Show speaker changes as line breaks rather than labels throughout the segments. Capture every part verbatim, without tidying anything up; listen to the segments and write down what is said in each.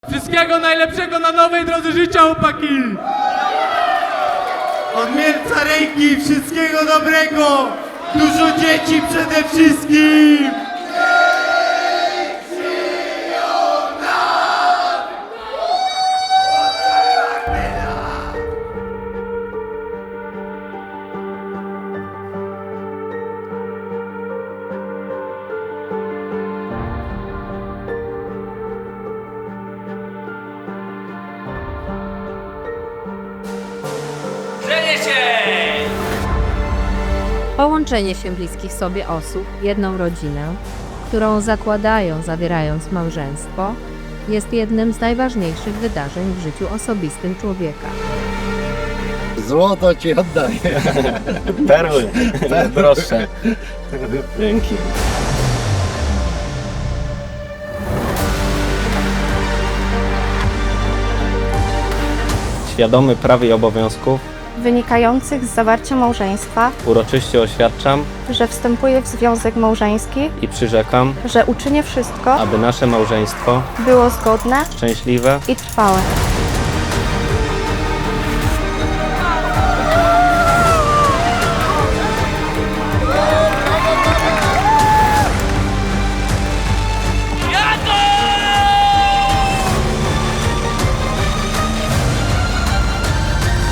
Wszystkiego najlepszego na nowej drodze życia, chłopaki!
Od Mielca ręki, wszystkiego dobrego! Dużo dzieci przede wszystkim!
Połączenie się bliskich sobie osób w jedną rodzinę, którą zakładają, zawierając małżeństwo, jest jednym z najważniejszych wydarzeń w życiu osobistym człowieka.
Złoto ci oddaję.
Perły, droższe. Dzięki. Świadomy praw i obowiązków
wynikających z zawarcia małżeństwa,
uroczyście oświadczam
że wstępuję w związek małżeński,
i przyrzekam,
że uczynię wszystko,
aby nasze małżeństwo
było zgodne
szczęśliwe
i trwałe.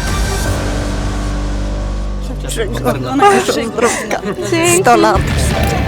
Sto lat.